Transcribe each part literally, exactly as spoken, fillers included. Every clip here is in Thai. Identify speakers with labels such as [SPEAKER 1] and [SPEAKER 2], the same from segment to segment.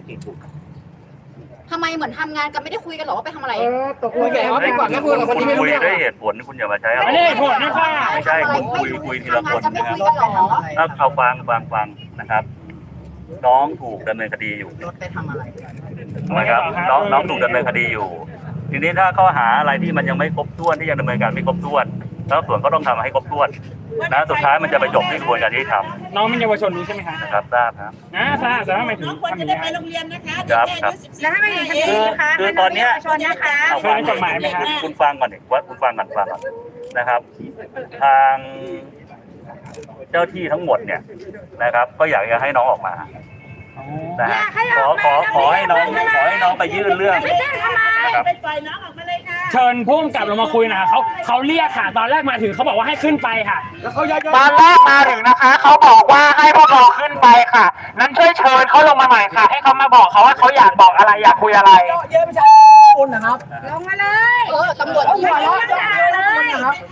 [SPEAKER 1] ทำไมเหมือนทำงานกันไม่ได้คุยกันหรอว่าไปทำอะไร
[SPEAKER 2] เออตกลงแกเอาไปก่อนนะคุยกับคนที่ไม่รู้เรื่อง
[SPEAKER 3] ด้วยเหตุผลคุณอย่ามาใช้อะไร
[SPEAKER 4] ไม่ได้ผลนะค่ะ
[SPEAKER 3] ไม่ใช่คุณคุยคุยทีละคนนะครับถ้าเอาฟังฟังฟังนะครับ น้องถูกดำเนินคดีอยู่
[SPEAKER 2] รถไปทำอะไร
[SPEAKER 3] นะครับน้องน้องถูกดำเนินคดีอยู่ ทีนี้ถ้าข้อหาอะไรที่มันยังไม่ครบถ้วนที่ยังดำเนินการไม่ครบถ้วนแล้วส่วนก็ต้องทำให้ครบถ้วนนะสุดท้ายมันจะไปจบที่กระบวนการยุติธรรม
[SPEAKER 4] น้องเป็นเยาวชนนี้ใช่ไหมคะ
[SPEAKER 3] นะครับทราบครับ
[SPEAKER 4] นะทราบแต่ทำไมถึง
[SPEAKER 5] น้องควร
[SPEAKER 4] ทำอ
[SPEAKER 5] จะ
[SPEAKER 4] ย่าง
[SPEAKER 5] ได้
[SPEAKER 4] นี้
[SPEAKER 5] ไปโรงเรียนนะคะ
[SPEAKER 3] ครับครับ
[SPEAKER 5] แล้วถ้าไม่ถึงคดีนะคะ
[SPEAKER 3] คือตอนเนี้ย
[SPEAKER 5] ชนนะคะ
[SPEAKER 3] เอาฟังคุณฟังก่อนดิว่าคุณฟังก่อนฟังก่อนนะครับ ทางเจ้าที่ทั้งหมดเนี่ยนะครับ ก็อยากจะให้น้องออกมานะฮะขอขอขอให้น้องขอให้น้องไปยื่นเรื่องนะครับ
[SPEAKER 5] ไปปล่อยน้องออกมาเลยค่ะ
[SPEAKER 4] เชิญพุ่งกลับลงมาคุยนะคะเขาเขาเรียกค่ะ ตอนแรกมาถึงเขาบอกว่าให้ขึ้นไปค่ะ
[SPEAKER 2] ตอนแรกมาถึงนะคะเขาบอกว่าให้พวกเราขึ้นไปค่ะนั้นช่วยเชิญเขาลงมาหน่อยค่ะ ให้เขามาบอกเขาว่าเขาอยากบอกอะไรอยากคุยอะไรเยอะไม่ใช่คุณนะครับ
[SPEAKER 5] ลงมาเลย
[SPEAKER 1] เออตำรวจที่หัวเราะ
[SPEAKER 5] ด่าเลย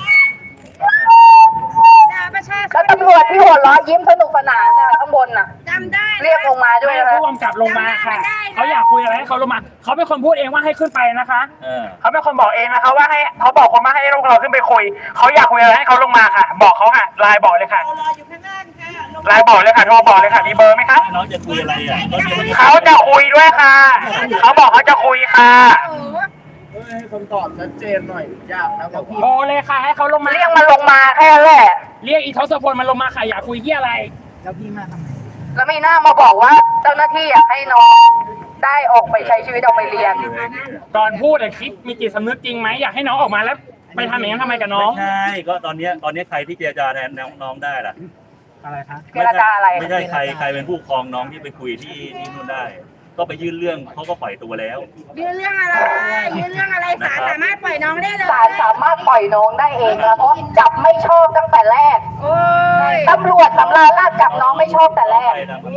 [SPEAKER 5] ด่าประชาช
[SPEAKER 6] แล้ว
[SPEAKER 5] น
[SPEAKER 6] ตำรวจที่หัวเราะยิ้มสนุกสนานน่ะข้างบนน่ะ
[SPEAKER 5] จำได้
[SPEAKER 6] เรียกลงมาด้วยนะ
[SPEAKER 4] ผู้กำกับลงมาค่ะเขาอยากคุยอะไรให้เขาลงมาเขาเป็นคนพูดเองว่าให้ขึ้นไปนะคะ
[SPEAKER 3] เออ
[SPEAKER 2] เขาเป็นคนบอกเองนะคะว่าให้เขาบอกคนมาให้พวกเราขึ้นไปคุยเขาอยากคุยอะไรให้เขาลงมาค่ะ บอกเขาค่ะไลน์บอกเลยค่ะ
[SPEAKER 5] เรารออยู่ข้างล่างค่ะลง
[SPEAKER 2] ไลน์บอกเลยค่ะโทรบอกเลยค่ะมีเบอร์ไหมคะ
[SPEAKER 3] น้องจะคุยอะไรอ่ะก็เดี๋ยวมัน
[SPEAKER 2] เขาจะคุยด้วยค่ะเขาบอกเขาจะคุยค่ะ
[SPEAKER 7] ให้คำตอบชัดเจนหน่อยยากนะเพราะพี่
[SPEAKER 4] โทรเลยค่ะให้เขาลงมา
[SPEAKER 2] เรียกมันลงมาแค่นั้นแหละ
[SPEAKER 4] เรียกอีทศพลมันลงมาค่ะอยากคุยที่อะไร
[SPEAKER 7] แล้วพี่มาทำไม
[SPEAKER 6] แล้วมีหน้ามาบอกว่าเจ้าหน้าที่อยากให้น้องได้ออกไปใช้ชีวิตออกไปเรียน
[SPEAKER 4] ก่อนพูดอะคิดมีจิตสำนึกจริงไหมอยากให้น้องออกมาแล้วไปทำอย่างนั้นทำไมกับน้อง
[SPEAKER 3] ไม่ใช่ก็ตอนเนี้ยตอนเนี้ยใครที่เจรจาแทนน้องได้ล่ะ
[SPEAKER 4] อะไรคะ
[SPEAKER 6] เจรจาอะไร
[SPEAKER 3] ไม่ใช่ใครใครเป็นผู้ปกครองน้องที่ไปคุยที่ที่นู่นได้ ก็ไปยื่นเรื่องเขาก็ปล่อยตัวแล้ว
[SPEAKER 5] ยื่นเรื่องอะไรยื่นเรื่องอะไรศาลสามารถปล่อยน้องได้เลย
[SPEAKER 6] ศาลสามารถปล่อยน้องได้เองนะเพราะจับไม่ชอบตั้งแต่แรก
[SPEAKER 5] โอ้ย
[SPEAKER 6] ตำรวจสำราญราชจับน้องไม่ชอบแต่แรก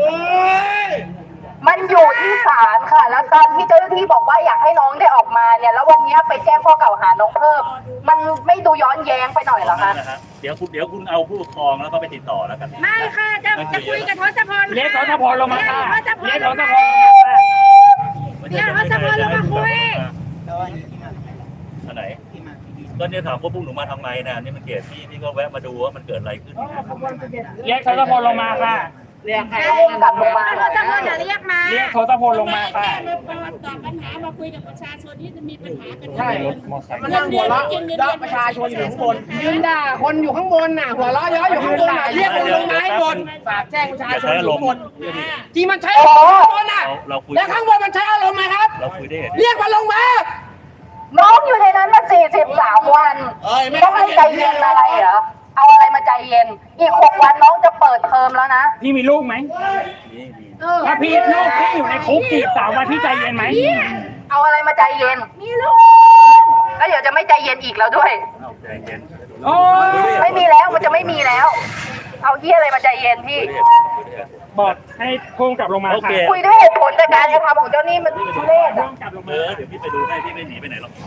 [SPEAKER 6] มันอยู่ที่ศาลค่ะ แล้วตอนที่เจ้าหน้าที่บอกว่าอยากให้น้องได้ออกมาเนี่ย แล้ววันนี้ไปแจ้งข้อกล่าวหาน้องเพิ่ม มันไม่ดูย้อนแย้งไปหน่อยเหรอคะ
[SPEAKER 3] นะฮะเดี๋ยวคุณเดี๋ยวคุณเอาผู้ปกครองแล้วก็ไปติดต่อแล้วกัน
[SPEAKER 5] ไม่ค่ะจะจะคุยกับทศพล
[SPEAKER 4] เรียกทศพลลงมาค่ะเรียกทศพล
[SPEAKER 5] เดี๋ยวทศพลลงมาคุย
[SPEAKER 3] อันไหนก็เนี่ยถามว่าพวกหนูมาทำไมนะนี่มันเกิดที่พี่ก็แวะมาดูว่ามันเกิดอะไรขึ้น
[SPEAKER 4] เรียกทศพลลงมาค่ะ
[SPEAKER 2] เรียกใคร
[SPEAKER 6] พุ่งกลับลงมา
[SPEAKER 5] ทศพลจะเรียกมา
[SPEAKER 4] เรียกทศพลลงมาค่ะ
[SPEAKER 5] มาตอบปัญหามาคุยกับประชาชนที่จะมีปัญหากัน
[SPEAKER 7] ใช่มันนั่งหัวเราะย่อประชาชนอยู่ข้างบนยืนด่าคนอยู่ข้างบนน่ะหัวเราะเยอะอยู่ข้างบนน่ะเรียกคนลงมาให้บนฝากแจ้งประชาชนอยู่ข้างบนที่มันใช้อารมณ์ข้างบนน่ะ
[SPEAKER 3] เราคุย
[SPEAKER 7] แล้วข้างบนมันใช้อารมณ์ไหมครับ
[SPEAKER 3] เราคุยได้
[SPEAKER 7] เรียกมันลงมา
[SPEAKER 6] น้องอยู่ในนั้นมาสี่สิบสามวันต้องให้ใจเย็นอะไรเหรอ เอาอะไรมาใจเย็น อีกหกวันน้องจะเปิดเทอมแล้วนะ
[SPEAKER 4] พี่มีลูกไหม
[SPEAKER 3] นี่นี่
[SPEAKER 4] ถ้าพี่ลูกพี่อยู่ในคุกสี่สามวันพี่ใจเย็นไหม
[SPEAKER 6] เอาอะไรมาใจเย็น
[SPEAKER 5] มีลูก
[SPEAKER 6] แล้วเดี๋ยวจะไม่ใจเย็นอีกแล้วด้วย
[SPEAKER 3] เอาใจเย็น
[SPEAKER 4] โอ้ย
[SPEAKER 6] ไม่มีแล้วมันจะไม่มีแล้ว เอาเยี่ยอะไรมาใจเย็นพี่
[SPEAKER 4] บอกให้พุ่งกลับลงมา
[SPEAKER 3] โอ
[SPEAKER 4] ค่ะ
[SPEAKER 3] เค
[SPEAKER 6] คุยด้วยเหตุผลแต่การกระทำของเจ้านี่มันทุเรศ
[SPEAKER 4] พุ่
[SPEAKER 6] อะ
[SPEAKER 4] งกลับลง
[SPEAKER 3] เอ
[SPEAKER 4] มา
[SPEAKER 3] อเดี๋ยวพี่ไปดูให้พี่ไม่หนีไปไหนหรอก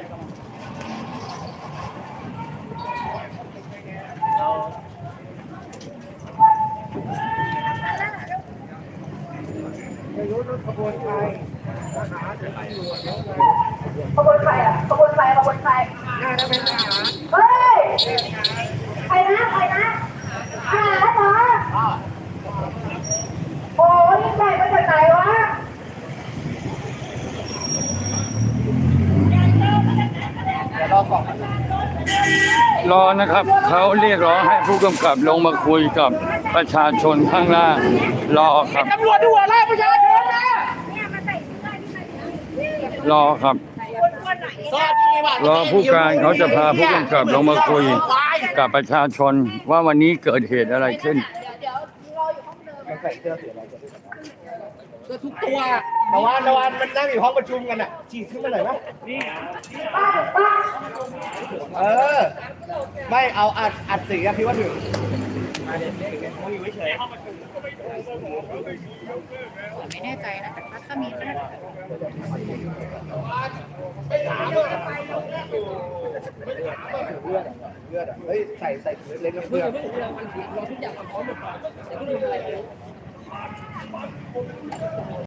[SPEAKER 3] เรา
[SPEAKER 6] ขบวนใครอ่ะขบวนใครขบวนใครเฮ้ยใครนะใครนะหาเหรอโอ้ยใหญ่มาจากไหนวะ
[SPEAKER 8] รอนะครับเขาเรียกร้องให้ผู้กำกับลงมาคุยกับประชาชนข้างล่างรอครับ
[SPEAKER 7] ตำรวจที่หัวเราะประชาชนนะ
[SPEAKER 8] รอครับรอผู้การเขาจะพาผู้กำกับลงมาคุยกับประชาชนว่าวันนี้เกิดเหตุอะไรขึ้น
[SPEAKER 7] ก็ทุกตัวตะวันตะวันมันนั่งอยู่ห้องประชุมกันอ่ะฉีดขึ้นมาหน่อยไหมเออ ไม่เอาอัดอัดเสียงพี่ว่าถึง
[SPEAKER 1] ไม่แน่ใจนะแต่ถ้ามีก็น่าจะ
[SPEAKER 7] เลือดอ่ะเฮ้ยใส่ใส่ถุงเล็กๆเพื่อน